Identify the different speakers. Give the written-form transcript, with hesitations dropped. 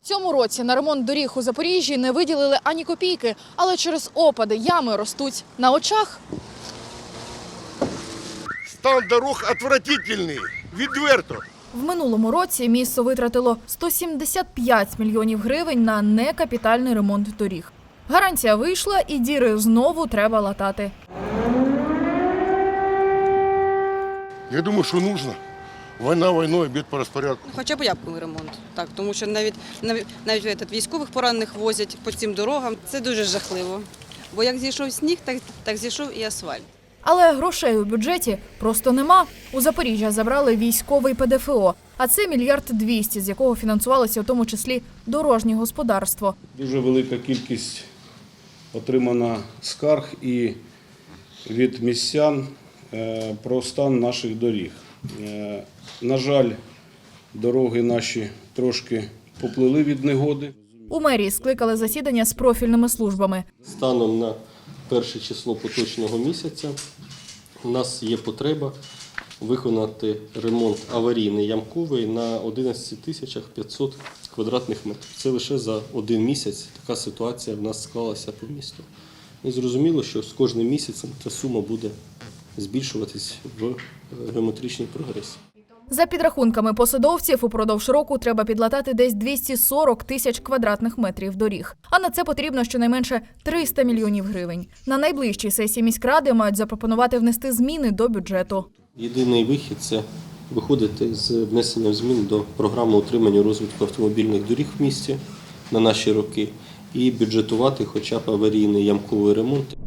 Speaker 1: цьому році на ремонт доріг у Запоріжжі не виділили ані копійки, але через опади ями ростуть на очах.
Speaker 2: Стан дорог отвратительний, відверто.
Speaker 1: В минулому році місто витратило 175 мільйонів гривень на некапітальний ремонт доріг. Гарантія вийшла і діри знову треба латати.
Speaker 2: Я думаю, що потрібно. Війна війною, бід по розпорядку.
Speaker 3: Хоча б ямковий ремонт, так, тому що навіть військових поранених возять по цим дорогам. Це дуже жахливо. Бо як зійшов сніг, так зійшов і асфальт.
Speaker 1: Але грошей у бюджеті просто нема. У Запоріжжя забрали військовий ПДФО, а це 1 мільярд 200, з якого фінансувалося в тому числі дорожнє господарство.
Speaker 4: Дуже велика кількість отримана скарг і від містян про стан наших доріг. На жаль, дороги наші трошки поплили від негоди.
Speaker 1: У мерії скликали засідання з профільними службами.
Speaker 5: Станом на 1 число поточного місяця у нас є потреба виконати ремонт аварійний ямковий на 11 тисячах 500 квадратних метрів. Це лише за один місяць така ситуація в нас склалася по місту. І зрозуміло, що з кожним місяцем ця сума буде збільшуватись в геометричній прогресії.
Speaker 1: За підрахунками посадовців, упродовж року треба підлатати десь 240 тисяч квадратних метрів доріг. А на це потрібно щонайменше 300 мільйонів гривень. На найближчій сесії міськради мають запропонувати внести зміни до бюджету.
Speaker 5: Єдиний вихід – це виходити з внесенням змін до програми утримання розвитку автомобільних доріг в місті на наші роки і бюджетувати хоча б аварійний ямковий ремонт.